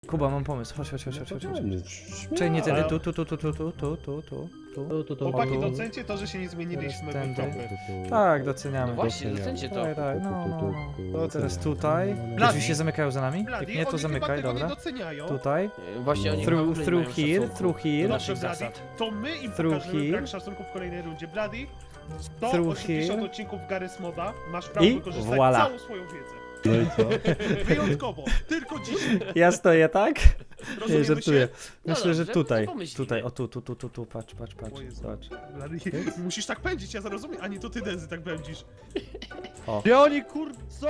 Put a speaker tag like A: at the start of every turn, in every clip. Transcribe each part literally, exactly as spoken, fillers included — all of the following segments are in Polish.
A: Kuba, mam pomysł, chodź, chodź, chodź, chodź, chodź.
B: Śmiało.
A: Czekaj, nie tędy, tu, tu, tu, tu, tu, tu, tu, tu, tu, tu.
B: Tu, tu, tu,
C: Chłopaki,
A: tu.
C: docencie to, że się nie zmieniliśmy
A: Teraz
C: w
A: tędy.
C: tropy.
A: Tak,
D: No
A: doceniamy.
D: właśnie, docencie to.
A: Tak, tak, no, no, no.
B: To
A: Teraz
B: oceniam.
A: tutaj.
B: No, no, no.
A: Te drzwi się zamykają za nami?
C: Blady,
A: Jak nie, to
C: oni chyba
A: zamykaj,
C: tego
A: dobra.
C: nie doceniają.
A: Tutaj.
D: Właśnie oni
A: Through,
D: w ogóle nie
A: through
D: mają
A: here,
D: szacunku
A: through here.
D: do
C: Dobrze,
D: naszych
C: Blady,
D: zasad.
C: to my im
A: Through
C: pokażemy
A: here.
C: brak szacunku w kolejnej rundzie. Blady, sto
A: Through
C: osiemdziesiąt
A: here.
C: odcinków Garry's Moda, masz prawo
A: I
C: wykorzystać
A: voila.
C: całą swoją wiedzę.
B: No i co?
C: Wyjątkowo, tylko dzisiaj.
A: Ja stoję, tak? Nie,
C: Rozumiemy
A: żartuję.
C: się?
A: Myślę,
D: No
A: że
D: dobrze,
A: tutaj.
D: to pomyślimy.
A: Tutaj, o tu, tu, tu, tu, tu, patrz, patrz, patrz,
C: O Jezu.
A: patrz.
C: Blady, musisz tak pędzić, ja zrozumiem, a nie to ty, Dezy, tak pędzisz.
B: Gdzie oni kur... są?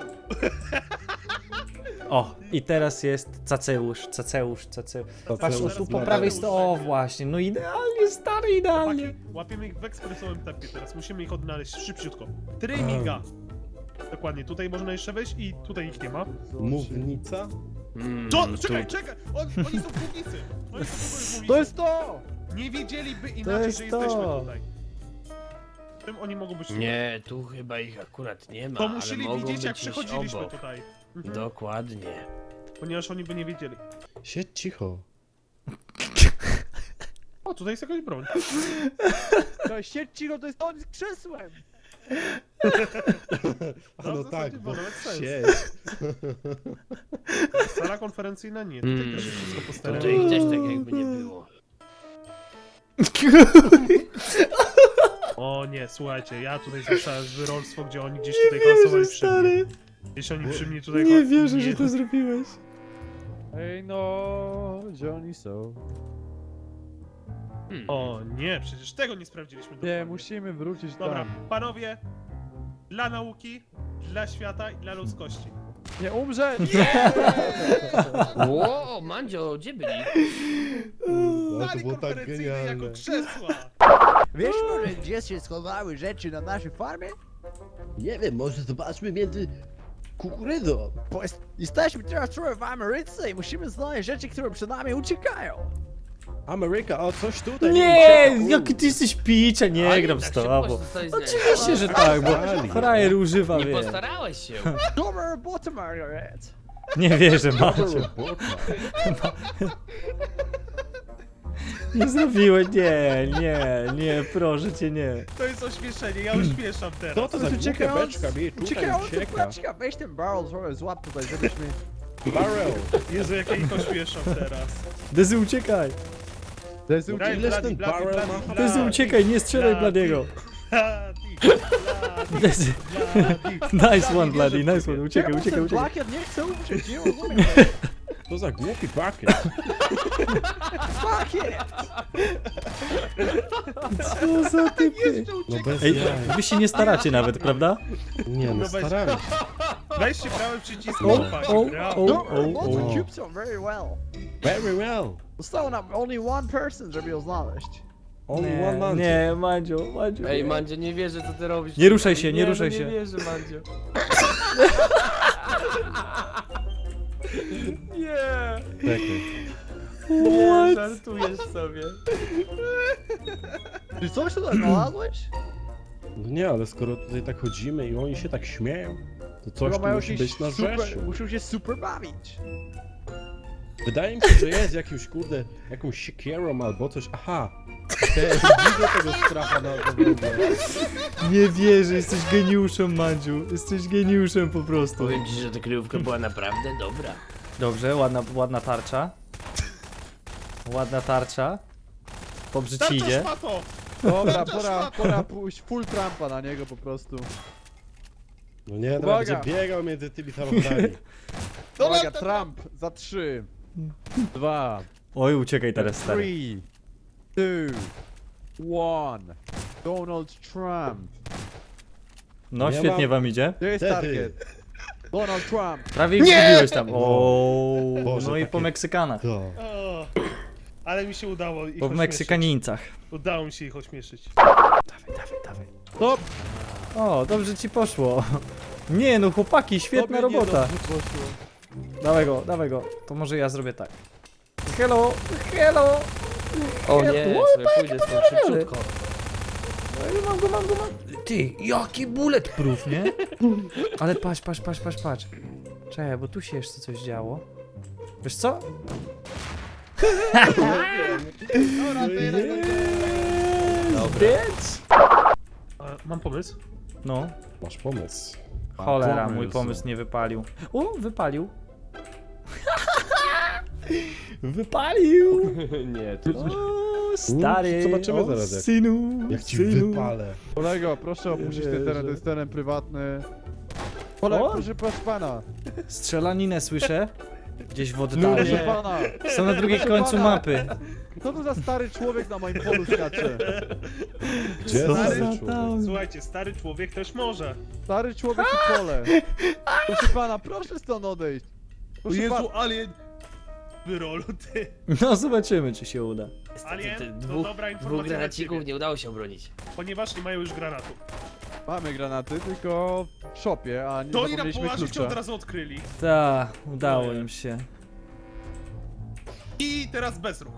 A: O, i teraz jest Caceusz, Caceusz, Caceusz. Patrz, o
C: Teraz
A: tu po
C: Blady
A: prawej
C: uszedł.
A: stronie, o właśnie, no idealnie, stary, idealnie.
C: Chłopaki, łapiemy ich w ekspresowym tempie teraz, musimy ich odnaleźć szybciutko. Tryminga. Dokładnie, tutaj można jeszcze wejść i tutaj ich nie ma.
B: Mównica?
D: Mm,
C: Co?
D: tu-
C: Czekaj, czekaj! On, oni są w mównicy! Oni są w mównicy!
B: To jest to!
C: Nie wiedzieliby inaczej,
A: jest
C: że
A: to.
C: jesteśmy tutaj. Czym oni mogą być tutaj?
D: Nie, tu chyba ich akurat nie ma,
C: To
D: ale
C: musieli
D: mogą
C: widzieć,
D: być
C: jak
D: gdzieś
C: przechodziliśmy
D: obok.
C: tutaj. Mhm.
D: Dokładnie.
C: Ponieważ oni by nie wiedzieli.
B: Siedź cicho.
C: O, tutaj jest jakaś broń.
B: To siedź cicho, to jest on z krzesłem!
C: No,
B: No
C: w zasadzie
B: tak,
C: było
B: bo
C: nawet sens.
B: siedź.
C: Sala konferencyjna nie, tutaj
D: Mm.
C: też jest wszystko po stereo.
D: Tutaj ich też tak jakby nie było.
C: O nie, słuchajcie, ja tutaj słyszałem wyrolstwo, gdzie oni gdzieś tutaj hałasowali przy mnie.
A: stary.
C: Gdzieś oni przy mnie tutaj...
A: Nie
C: hał-
A: wierzę,
C: nie.
A: że to zrobiłeś.
B: Ej no, gdzie oni są?
D: Hmm.
C: O nie, przecież tego nie sprawdziliśmy dokładnie.
B: Nie, musimy wrócić
C: Dobra,
B: tam.
C: panowie, dla nauki, dla świata i dla ludzkości.
B: Nie umrze!
D: Ło, Mandzio, gdzie byli?
B: No, to
C: Sali
B: było tak
C: konferencyjnej jako
B: genialne.
C: krzesła.
E: Wiesz może, gdzie się schowały rzeczy na naszej farmie?
F: Nie wiem, może zobaczmy między kukurydzą.
E: Bo jest, jesteśmy teraz trochę w Ameryce i musimy znaleźć rzeczy, które przed nami uciekają.
B: Ameryka, o coś tutaj
A: Nie,
B: ucieka.
A: jaki ty jesteś picza, nie
D: Oni
A: gram
D: tak
A: z
D: szybko
A: tobą.
D: zostali znalezieni.
A: Oczywiście, że tak, bo frajer używa,
D: Nie
A: wie.
D: postarałeś się.
E: Dobra robota, Margaret.
A: Nie wierzę,
B: Dobra
A: Maciu.
B: robota.
A: Nie zrobiłeś, nie, nie, nie, proszę cię, nie.
C: To jest ośmieszenie, ja ośmieszam teraz.
B: Co to za głupia
E: uciekając-
B: beczka mi tutaj
E: Uciekają tu
B: ucieka?
E: beczka, weź ten barrel trochę złap tutaj, żebyśmy...
B: Barrel.
C: Jezu, jak ja ich ośmieszam teraz.
A: Dezy, uciekaj.
B: Dezy,
C: Blady,
B: ileż
C: Blady,
B: ten
C: Blady,
B: barrel
C: Blady,
B: ma?
C: Blady.
A: Dezy, uciekaj, nie strzelaj
C: Blady.
A: Bladiego.
C: Blady, Blady,
A: Dezy,
C: Blady.
A: nice one, Bloody, nice one, uciekaj,
E: Czemu
A: uciekaj,
E: ten
A: uciekaj.
E: Blackhead nie chce umrzeć, nie rozumiem.
B: To za głupi pakiet.
E: Blackhead!
A: Co za typy.
B: No bez
A: Ej,
B: jaj.
A: wy się nie staracie nawet, prawda?
B: Nie no,
C: No weź-
B: staramy się.
C: Weźcie prawy przycisk,
A: O,
C: chłopaki,
A: o,
C: brawo.
A: o.
E: Dobra robota,
B: o.
E: cubes are very well.
B: Very well.
E: Zostało nam only one person, żeby ją znaleźć.
B: Only one
A: Nie,
B: man.
A: nie, Mandziu, Mandziu.
D: Ej,
A: nie.
D: Mandzio, nie wierzę, co ty robisz.
A: Nie ruszaj się, nie
D: no
A: ruszaj się.
D: Nie wierzę, Mandzio. Nie,
B: Czekaj.
D: nie, żartujesz sobie.
E: Czy coś tutaj znalazłeś?
B: No nie, ale skoro tutaj tak chodzimy i oni się tak śmieją, to coś
E: Chyba
B: tu
E: mają
B: musi
E: się
B: być na
E: super,
B: rzeczy.
E: muszą się super bawić.
B: Wydaje mi się, że jest jakimś, kurde, jakąś siekierą albo coś. Aha! Te, widzę tego stracha na ogrodzie.
A: Nie wierzę, jesteś geniuszem, Mandziu. Jesteś geniuszem po prostu.
D: Powiem ci, że ta kryjówka była naprawdę dobra.
A: Dobrze, ładna, ładna tarcza. Ładna tarcza. Dobrze ci
C: Tarcza
A: idzie.
C: szmato!
B: Dobra, pora, pora pójść full trampa na niego po prostu. No nie, teraz
E: Uwaga.
B: będzie biegał między tymi samochodami.
E: Uwaga, Trump za trzy, dwa,
A: Oj, uciekaj teraz, stary.
E: three, two, one. Donald Trump.
A: No,
B: Ja
A: świetnie
B: mam-
A: wam idzie.
E: To jest
B: Wtedy.
E: target. Donald Trump.
A: Prawie ich zgubiłeś tam. O,
B: Boże,
A: no i
B: takie-
A: po Meksykanach.
B: To.
C: O, ale mi się udało ich
A: Po
C: ośmieszyć.
A: Meksykanińcach.
C: Udało mi się ich ośmieszyć.
A: Dawaj, dawaj, dawaj.
E: Stop.
A: O, dobrze ci poszło. Nie no, chłopaki, świetna
E: Tobie
A: robota.
E: niedobrze poszło.
A: Dawaj go, dawaj go. To może ja zrobię tak. Hello, hello.
D: O
A: Ja-
D: nie,
A: Oj,
D: sobie pójdę z tym szybciutko.
A: Ej, mam go, mam go, mam. Ty, jaki bulletproof, nie? Ale patrz, patrz, patrz, patrz, patrz. Czekaj, bo tu się jeszcze coś działo. Wiesz co?
C: Dobra, to jeden.
A: Bitch!
C: E, Mam pomysł.
A: No,
B: Masz pomysł.
A: cholera, mój
B: pomysł.
A: pomysł nie wypalił. O, wypalił. Wypalił!
D: Nie, to
A: O, stary,
B: zobaczymy
A: o,
B: zaraz, jak-
A: synu,
B: Jak ci
A: synu.
B: wypalę.
G: Kolego, proszę opuścić ten teren, to jest teren prywatny. Kolego,
A: O!
G: proszę, proszę pana.
A: Strzelaninę słyszę. Gdzieś w
G: Proszę
A: oddali.
G: pana.
A: Są na drugim
G: Proszę
A: końcu
G: pana.
A: mapy.
G: Co to za stary człowiek na moim polu skacze?
B: Gdzie
A: Co
B: stary
A: za
B: człowiek?
A: tam?
C: Słuchajcie, stary człowiek też może.
G: Stary człowiek i pole. Proszę pana, proszę stąd odejść.
C: O
G: Proszę
C: Jezu,
G: pana.
C: alien! Wyrolu, ty.
A: No zobaczymy, czy się uda.
C: Alien,
D: te
C: to
D: dwóch,
C: dobra
D: dwóch
C: informacja dla
D: granacików
C: ciebie.
D: nie udało się obronić.
C: Ponieważ nie mają już granatu.
G: Mamy granaty, tylko w szopie, a nie
C: To i na
G: zapomnieliśmy
C: połaży cię
G: klucza.
C: od razu odkryli.
A: Ta, udało im się.
C: I teraz bezruch.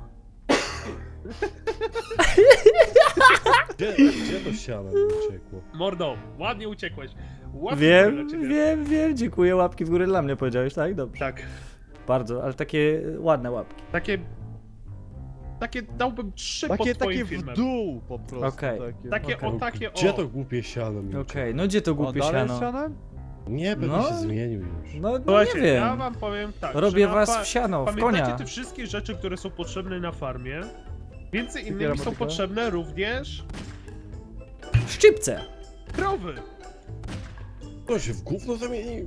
B: Gdzie, gdzie to siano mi uciekło?
C: Mordo, ładnie uciekłeś. Łapki
A: Wiem,
C: dla ciebie.
A: wiem, wiem, dziękuję. Łapki w górę dla mnie powiedziałeś, tak? Dobrze.
C: Tak.
A: Bardzo, ale takie ładne łapki.
C: Takie... Takie dałbym trzy
G: Takie,
C: pod twoim
G: takie w
C: filmem.
G: dół po prostu.
A: Okej.
G: Takie.
C: Takie
A: Okej.
C: o, takie o.
B: Gdzie to głupie siano mi
A: Okej,
B: uciekło?
A: no gdzie to
G: O,
A: głupie
G: dalej
A: siano?
G: z sianem?
B: Nie, pewnie
A: No.
B: się zmienił już.
A: No, no
C: Słuchajcie,
A: nie wiem.
C: ja wam powiem tak,
A: Robię
C: że na
A: was
C: pa-
A: w siano, w
C: Pamiętacie
A: konia.
C: te wszystkie rzeczy, które są potrzebne na farmie? Między
G: Jakie
C: innymi są
G: robotyka?
C: potrzebne również
A: Szczypce!
C: krowy.
B: To się w gówno zamienił.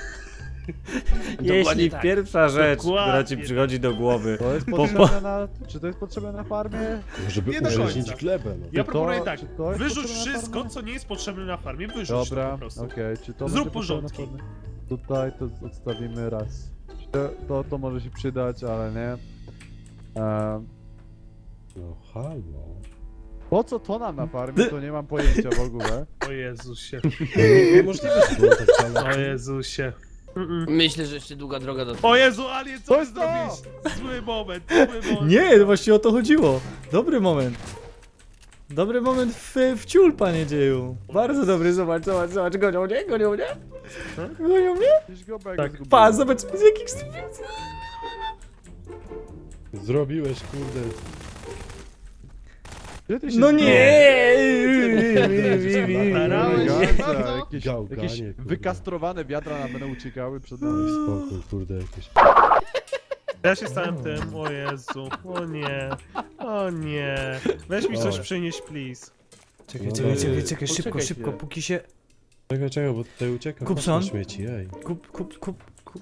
A: Jeśli
D: tak.
A: pierwsza rzecz,
C: Dokładnie.
A: która ci przychodzi do głowy.
G: To jest
A: Po-
G: potrzebne na... Czy to jest potrzebne na farmie?
B: Żeby
C: Nie do
B: urzędzić
C: końca.
B: glebę, no.
C: Ja
G: to-
C: proponuję tak,
G: czy to jest
C: wyrzuć
G: potrzebne na
C: wszystko,
G: farmie?
C: co nie jest potrzebne na farmie, wyrzuć to
G: Dobra,
C: po
G: okej,
C: prostu.
G: czy to
C: Zrób
G: będzie potrzebne na
C: porządki.
G: farmie? Tutaj to odstawimy raz. To, to, to może się przydać, ale nie. Ehm,
B: No halo.
G: po co to nam na farmie, to nie mam pojęcia w ogóle.
C: O Jezusie,
B: No, Niemożliwe, że było tak samo.
C: o Jezusie. Mm-mm.
D: Myślę, że jeszcze długa droga do...
C: O Jezu, Alien, co
G: To
C: ty
G: jest to!
C: zrobiłeś? Zły moment, zły moment.
A: Nie, no właśnie o to chodziło. Dobry moment. Dobry moment w, w ciul, panie dzieju. Bardzo dobry, zobacz, zobacz, zobacz, gonią mnie, gonią mnie. Gonią mnie?
G: Gdzieś go bego
C: Tak,
G: zgubiłem.
A: Pa, zobacz, z jakich stopni.
B: Zrobiłeś, kurde.
G: Gdzie ty się
A: No
G: zgubiłeś?
A: nie!
C: Starałeś się
G: Elegancko,
C: bardzo.
G: jakieś,
B: Gałganie,
G: jakieś
B: kurde.
G: wykastrowane wiadra nam będą uciekały przed
B: Daj
G: nami.
B: spokój, kurde, jakieś.
C: Ja się stałem tym, o Jezu, o nie, o nie. Weź mi coś
B: O.
C: przynieść, please.
A: Czekaj,
B: No
A: czekaj,
B: to-
A: czekaj, czekaj, szybko,
D: Poczekaj
A: szybko,
D: chwilę.
A: póki się...
B: Czekaj, czekaj, bo tutaj ucieka
A: Kupson?
B: kosz na śmieci, ej.
A: Kup, kup, kup, kup.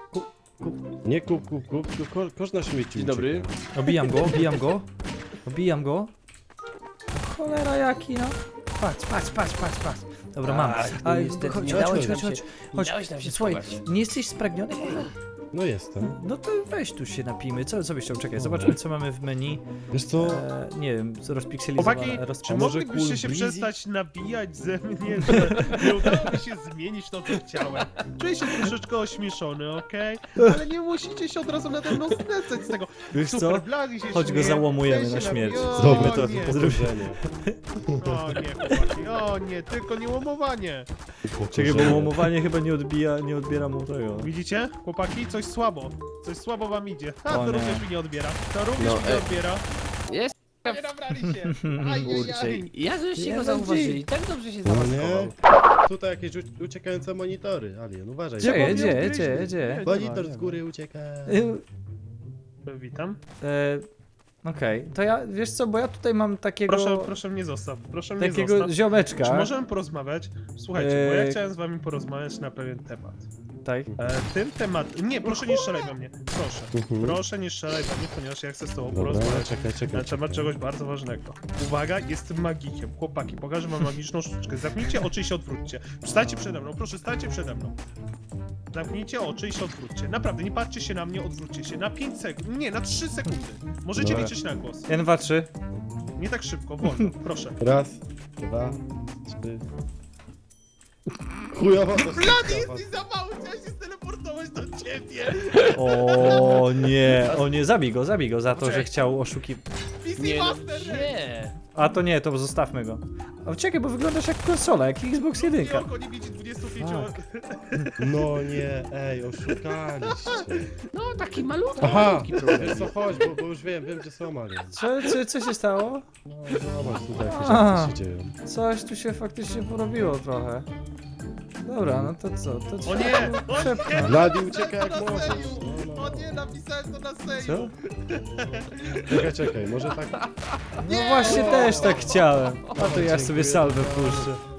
B: Nie kup, kup, kup, tylko ko- kosz na śmieci
D: Dzień dobry.
B: ucieka.
A: Obijam go, obijam go. Obijam go. Cholera jaki, no. Patrz, patrz, patrz, patrz, patrz. Dobra, mam.
D: Tak,
A: A,
D: no niestety
A: chodź,
D: nie
A: chodź,
D: dałeś
A: chodź,
D: nam
A: chodź,
D: się-
A: chodź.
D: nie dałeś nam się
A: Słuchaj,
D: schować.
A: nie jesteś spragniony może?
B: No jestem.
A: No to weź tu się napijmy. Co, co byś chciał? Czekaj, zobaczmy co mamy w menu.
B: Wiesz co?
A: E, nie wiem, rozpikselizowane.
C: Chłopaki,
A: roz...
C: czy
B: A może
C: moglibyście
B: Cool
C: się
B: Breezy?
C: przestać nabijać ze mnie, że nie udało mi się zmienić to, co chciałem? Czuję się troszeczkę ośmieszony, okej? Ale nie musicie się od razu nade mną znęcać z tego.
A: Wiesz co?
C: Super, Blady się
A: Chodź go
C: śmieje,
A: załamujemy
C: ten
A: na
C: się
A: śmierć.
C: nabija. O,
B: Zrobimy to
C: nie.
B: pozdrowienie.
C: O nie, chłopaki, o nie, tylko nie łamowanie.
A: Czekaj, bo łamowanie chyba nie odbija, nie odbiera mu tego.
C: Widzicie? Chłopaki, coś słabo. Coś słabo wam idzie. A,
A: O
C: to
A: nie.
C: również mi nie odbiera. To również
D: No,
C: mi nie
D: e-
C: odbiera.
D: Jest,
C: Nie nabrali się.
D: kurczę.
C: Ajajaj.
D: Ja żeście
A: Nie
D: go
A: będzie.
D: zauważyli, tak dobrze się
B: No
D: zamaskował.
B: nie? Tutaj jakieś ucie- uciekające monitory, Alien, uważaj.
A: Gdzie,
G: powiem,
A: gdzie,
G: gdzieś-
A: gdzie, gdzie?
G: nie,
B: Monitor
G: nie
B: z
G: ma.
B: góry ucieka.
A: Y,
C: Witam.
A: E, Okej, to ja, wiesz co, bo ja tutaj mam takiego,
C: Proszę, proszę mnie zostaw. Proszę mnie
A: takiego
C: zostaw.
A: ziomeczka.
C: Czy możemy porozmawiać? Słuchajcie, bo ja
A: Eee.
C: chciałem z wami porozmawiać na pewien temat.
A: Tak.
C: E, tym temat... Nie, proszę nie strzelaj do mnie. Proszę.
B: Mhm.
C: Proszę nie strzelaj do mnie, ponieważ ja chcę z tobą
B: Dobra,
C: porozmawiać
B: czekaj, czekaj.
C: na temat czegoś bardzo ważnego. Uwaga, jestem magikiem. Chłopaki, pokażę wam magiczną sztuczkę. Zamknijcie oczy i się odwróćcie. Stańcie przede mną, proszę, stańcie przede mną. Zamknijcie oczy i się odwróćcie. Naprawdę, nie patrzcie się na mnie, odwróćcie się. Na pięć sekund, nie, na trzy sekundy. Możecie
B: Dobra.
C: liczyć na głos.
A: jeden, dwa, trzy.
C: Nie tak szybko, wolno, proszę.
B: Raz, dwa, trzy. Chujowa to
C: Blady, jesteś za mały, chciałem się steleportować do ciebie!
A: O nie, o nie, zabij go, zabij go za to, że
C: Poczekaj.
A: chciał oszukiwać.
C: P C
D: Nie no,
C: Master Race!
D: gdzie?
A: A to nie, to zostawmy go. O, czekaj, bo wyglądasz jak konsola, jak Xbox jeden.
C: Nie, oko nie widzi dwudziestu pięciu.
B: No nie, ej, oszukaliście.
D: No, taki malutki,
B: Aha,
D: malutki problem.
B: wiesz co, chodź, bo, bo już wiem, wiem gdzie są alien.
A: Co, co, co się stało?
B: No zobacz, tutaj jakieś
A: A.
B: rzeczy się dzieją.
A: Coś tu się faktycznie porobiło trochę. Dobra, no to co? To trzeba
C: nie,
A: tu
C: o nie.
A: przepchnąć.
B: Blady ucieka jak możesz. No, no.
C: O nie, napisałem to na serio.
A: Co?
B: Czekaj, czekaj, może tak...
A: No właśnie też tak chciałem. A to ja
B: Dziękuję
A: sobie salwę
B: bardzo.
A: puszczę.